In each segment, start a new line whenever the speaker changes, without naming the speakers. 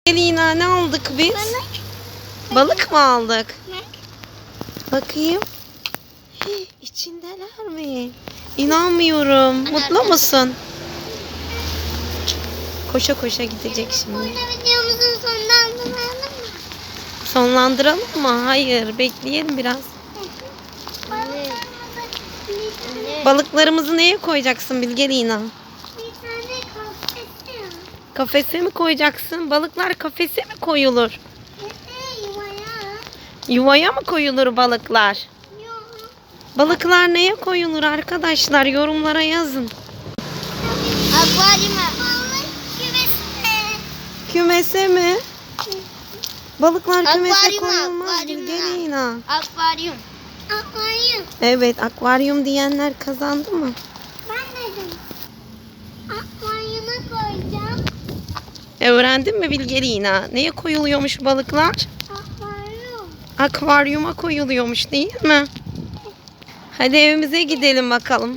Lina, ne aldık biz? Balık mı aldık? Bakayım. İçindeler mi? İnanmıyorum. Mutlu musun? Koşa koşa gidecek şimdi.
Burada videomuzun sonlandıralım mı?
Sonlandıralım mı? Hayır. Bekleyelim biraz. Balıklarımızı neye koyacaksın Bilge Lina?
Bir tane kafesi ya.
Kafese mi koyacaksın? Balıklar kafese mi koyulur?
Yuvaya.
Yuvaya mı koyulur balıklar?
Yok.
Balıklar neye koyulur arkadaşlar? Yorumlara yazın.
Akvaryuma. Balık kümesine.
Kümese mi? Balıklar kümese
Akvaryuma,
koyulmaz
akvaryuma.
Bilge Lina.
Akvaryum. Akvaryum.
Evet, akvaryum diyenler kazandı mı?
Ben dedim. Akvaryuma koyacağım.
Öğrendin mi Bilge Lina? Neye koyuluyormuş balıklar?
Akvaryum.
Akvaryuma koyuluyormuş değil mi? Hadi evimize gidelim bakalım.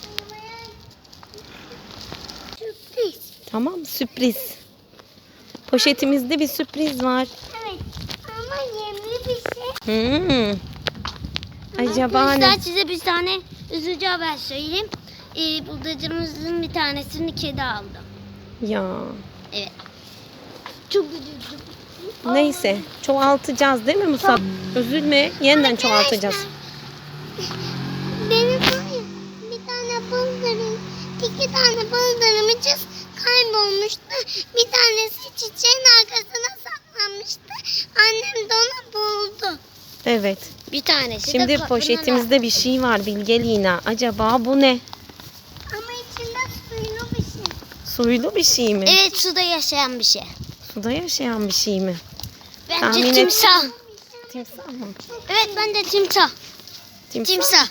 Sürpriz.
Tamam, sürpriz. Poşetimizde bir sürpriz var.
Evet. Ama yemli bir şey.
Acaba
Arkadaşlar
ne?
size bir tane üzücü haber söyleyeyim. Bıldırcımızın bir tanesini kedi aldı.
Ya.
Evet. Çok üzüldüm.
Neyse, çoğaltacağız değil mi Musab? Üzülme, yeniden çoğaltacağız.
Benim var ya bir tane bıldırım, iki tane bıldırımcız kaybolmuştu. Bir tanesi çiçeğin arkasına saklanmıştı. Annem de onu buldu.
Evet.
Bir tanesi
Şimdi
de
poşetimizde bir şey var Bilge Lina. Acaba bu ne?
ama içinde suylu bir şey.
Suylu bir şey mi?
Evet, suda yaşayan bir şey.
Suda yaşayan bir şey mi?
Bence
Tahmin et.
timsah.
Timsah mı?
Evet, bence timsah. Timsah.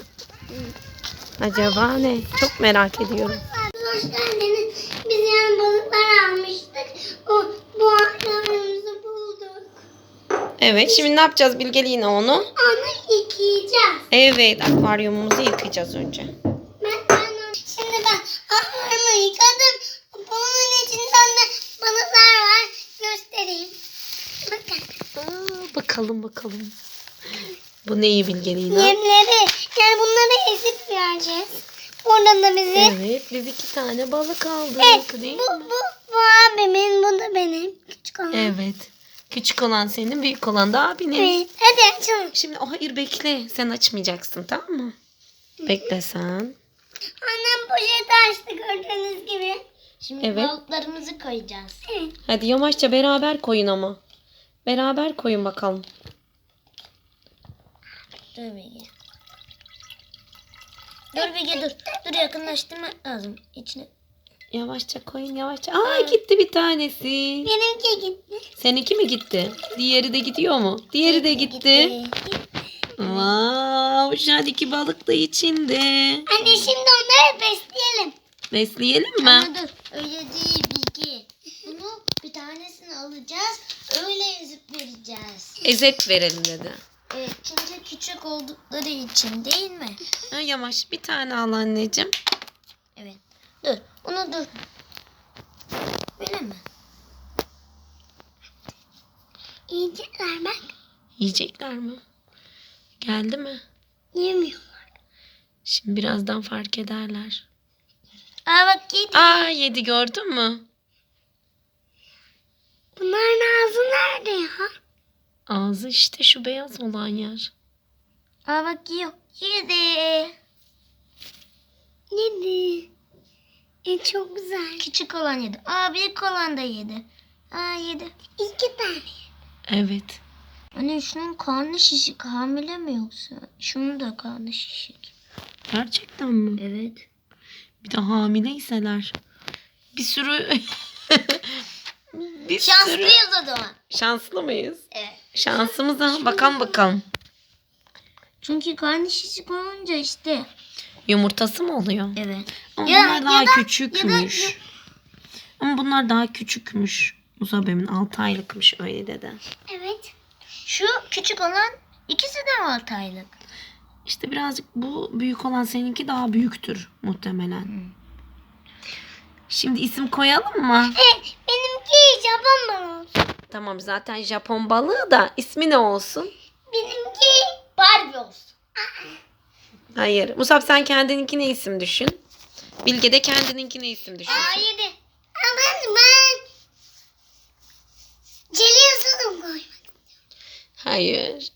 Acaba ne? Çok merak ediyorum.
Hoş geldiniz. Biz yani balıklar almıştık. Bu akvaryumumuzu bulduk.
Evet, şimdi ne yapacağız Bilge Lina onu?
Onu yıkayacağız.
Evet, akvaryumumuzu yıkayacağız önce.
Şimdi ben akvaryumu yıkadım. Bunun içinden de balıklar var. Göstereyim. Bakın.
Bakalım. Bu neyi Bilge Lina?
Yemleri. Yani bunları ezip vereceğiz. Oradan da bizi.
Evet, biz 2 tane balık aldık değil mi?
Bu abimin, bu da benim. Küçük olan.
Evet. Küçük olan senin, büyük olan da abinin.
Evet. Hadi açalım.
Şimdi hayır bekle. Sen açmayacaksın tamam mı? Bekle sen.
Annem poşeti açtı gördüğünüz gibi. Şimdi
Evet.
balıklarımızı koyacağız. Evet.
Hadi yavaşça beraber koyun ama. Beraber koyun bakalım.
Dur Bilge. Dur Bilge dur. Dur, yakınlaştırma lazım. İçine.
Yavaşça koyun yavaşça. Aa gitti bir tanesi.
Benimki gitti.
Seninki mi gitti? Diğeri de gidiyor mu? Diğeri de gitti. Wow, şu an 2 balık da içinde.
Anne şimdi onları besleyelim.
Besleyelim mi?
Ama dur, öyle değil Bilge. Bunu bir tanesini alacağız. Öyle ezip vereceğiz.
Ezet verelim dedi.
Evet, çünkü küçük oldukları için değil mi?
Ha, yavaş bir tane al anneciğim.
Evet. Dur, onu dur. Böyle mi? Yiyecekler bak.
Yiyecekler mi? Geldi mi?
Yemiyorlar.
Şimdi birazdan fark ederler.
Aa bak yedi.
Aa yedi gördün mü?
Bunların ağzı nerede ya?
Ağzı işte şu beyaz olan yer.
Aa bak yiyor. Yedi. Yedi. Çok güzel. Küçük olan yedi. Aa büyük olan da yedi. Aa yedi. 2 tane.
Evet.
Anne şunun karnı şişik. Hamile mi yoksa? Şunun da karnı şişik.
Gerçekten mi?
Evet.
Bir de hamileyseler. Bir sürü... bir sürü...
Şanslıyız o zaman.
Şanslı mıyız?
Evet.
Şansımıza bakalım.
Çünkü karnı şişik olunca işte.
Yumurtası mı oluyor?
Evet.
Ama
Ya-
bunlar daha
ya da-
küçükmüş. Ama bunlar daha küçükmüş. Musabemin 6 aylıkmış öyle dedi.
Evet. Şu küçük olan ikisi de mi 6 aylık?
İşte birazcık bu büyük olan seninki daha büyüktür muhtemelen. Şimdi isim koyalım mı?
Benimki Japon balığı olsun.
Tamam, zaten Japon balığı da ismi ne olsun?
Benimki Barbie olsun.
Hayır. Musab, sen kendininkine isim düşün. Bilge de kendininkine isim düşün.
Hayır. Ama ben Celiyorsunum koymak.
Hayır.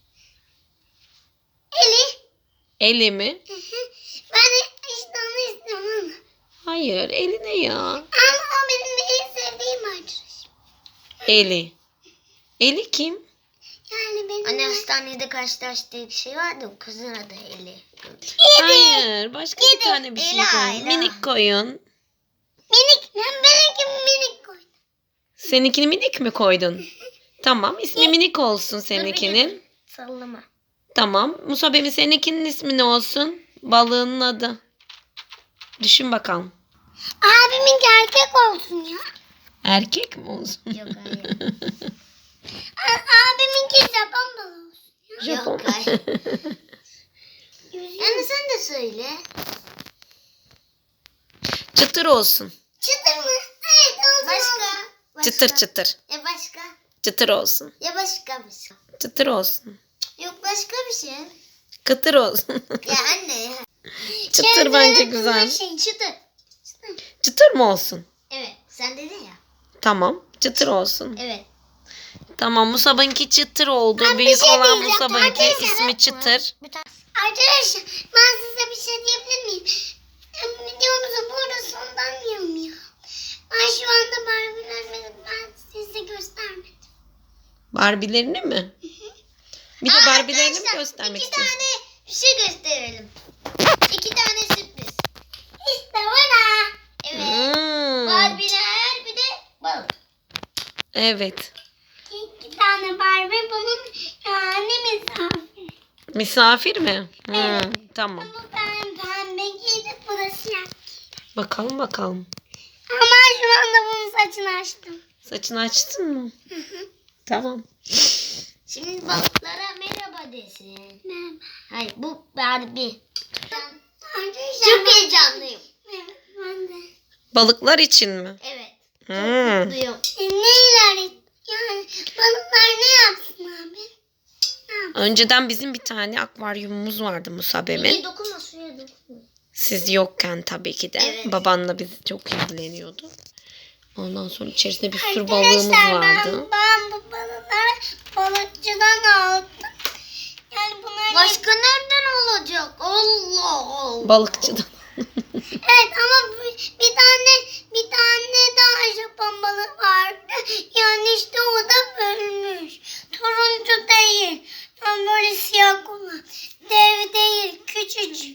Eli.
Eli mi?
Ben işte onu istiyorum.
Hayır. Eli ne ya?
Ama o benim en sevdiğim arkadaşım.
Eli. Eli kim?
Yani benim...
Anne hastanede karşılaştığı kişi vardı. O kızın adı Eli.
Hayır. Başka bir tane bir şey
Ela,
koyun.
Ela.
Minik koyun.
Minik. Benimki minik koydum.
Seninkini minik mi koydun? Tamam. İsmi minik olsun seninkinin.
Sallama.
Tamam. Musab'ın seninkinin ismi ne olsun? Balığının adı. Düşün bakalım.
Abiminki erkek olsun ya.
Erkek mi olsun?
Yok hayır.
Abiminki Japon balığı olsun.
Japon.
Yok hayır. Yani sen de söyle.
Çıtır olsun.
Çıtır mı? Evet olsun.
Başka.
Çıtır çıtır.
Ya başka.
Çıtır olsun.
Ya başka bir şey.
Çıtır olsun.
Yok başka bir şey.
Kıtır olsun.
Ya anne ya.
Çıtır bence güzel.
Çıtır.
Çıtır mı olsun?
Evet. Sen dedin ya.
Tamam. Çıtır olsun.
Evet.
Tamam. Musab'ınki çıtır oldu.
Ben bir
Büyük
şey
olan
diyeceğim.
Musab'ınki
Arkadaşlar,
ismi çıtır.
Bir tane.
Arkadaşlar ben size bir şey diyebilir miyim? Videomuzu burada sonlandırıyorum ya. Ben şu anda Barbie'lerimi ben size göstermedim.
Barbie'lerini mi? Bir de Barbie'lerini mi göstermek
İki
istiyorsun?
tane bir şey gösterelim. 2 tane sürpriz.
İşte burada.
Evet.
Hmm.
Barbie'ler bir de balık.
Evet.
2 tane Barbie bunun yani misafir.
Misafir mi?
Evet.
Tamam.
Bu ben pembe giydim bu da siyah.
Bakalım bakalım.
Ama şu anda bunun saçını açtım.
Saçını açtın mı? Tamam.
Şimdi balıklara merhaba desin.
Merhaba.
Hayır bu Barbie.
Arkadaşlar
Çok heyecanlıyım.
Evet ben de.
Balıklar için mi?
Evet.
Hmm.
Mutluyum.
Neler yani balıklar ne yapsın abi? Ne yapsın?
Önceden bizim bir tane akvaryumumuz vardı Musab'emin.
İyi dokunma suya dokunma.
Siz yokken tabii ki de.
Evet.
Babanla biz çok ilgileniyordu. Ondan sonra içerisinde bir sürü balığımız
Arkadaşlar
vardı.
ben bu balıkları balıkçıdan aldım. Yani bunlar
Başka nereden olacak? Allah Allah.
Balıkçıdan.
evet ama bir tane daha Japon balığı vardı. Yani işte o da bölmüş. Turuncu değil. Yani böyle siyah olan. Dev değil, küçücük.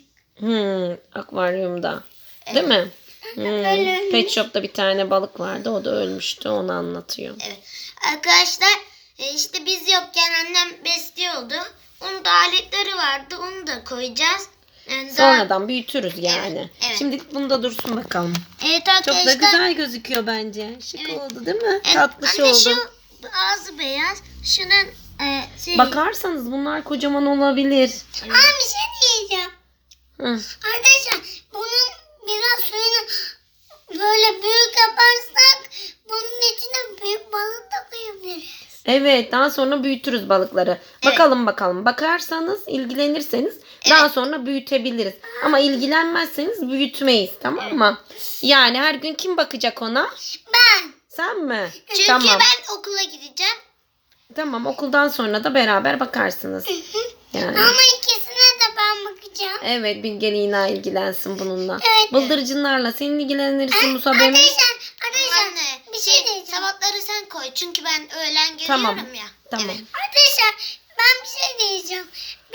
Akvaryumda. Değil mi?
Ölmüş.
Pet Shop'ta bir tane balık vardı. O da ölmüştü. Onu anlatıyor.
Evet. Arkadaşlar işte biz yokken annem besliyordu. Onun da aletleri vardı. Onu da koyacağız. Yani
Sonradan büyütürüz yani.
Evet, evet.
Şimdilik bunda dursun bakalım.
Evet
Çok
arkadaşlar.
da güzel gözüküyor bence. Şık
Evet.
oldu değil mi?
Evet,
Tatlış
anne
oldu.
şu ağzı beyaz. Şunun
Bakarsanız bunlar kocaman olabilir.
Ama bir şey diyeceğim.
Hı.
Arkadaşlar bunun biraz suyunu böyle büyük yaparsak bunun içine büyük balık da koyabiliriz.
Evet, daha sonra büyütürüz balıkları. Bakalım. Bakarsanız, ilgilenirseniz daha sonra büyütebiliriz. Ama ilgilenmezseniz büyütmeyiz, tamam mı? Yani her gün kim bakacak ona?
Ben.
Sen mi?
Çünkü
Tamam.
ben okula gideceğim.
Tamam, okuldan sonra da beraber bakarsınız. Yani.
Ama ikisine de ben bakacağım.
Evet, Bilge Lina ilgilensin bununla.
Evet.
Bıldırcınlarla sen ilgilenirsin Musab Emin.
Arkadaşlar
Anne
bir şey diyeceğim.
sabahları sen koy. Çünkü ben öğlen geliyorum
Tamam.
ya.
Tamam.
Evet.
Arkadaşlar ben bir şey diyeceğim.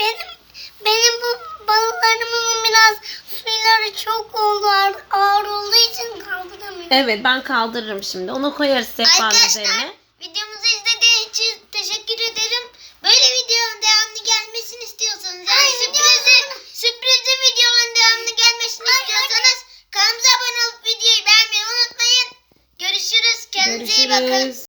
Benim bu balıklarımın biraz suyları çok oldu ağır olduğu için kaldıramıyorum.
Evet, ben kaldırırım şimdi. Onu koyarız sehpanın
Arkadaşlar
üzerine.
videomuzu izlediğiniz için teşekkür ederim. Böyle videonun devamlı gelmesini istiyorsanız yani
Ay,
sürprizli videoların devamlı gelmesini istiyorsanız kanalımıza abone olup videoyu beğenmeyi unutmayın. Görüşürüz. Kendinize iyi bakın.
Görüşürüz.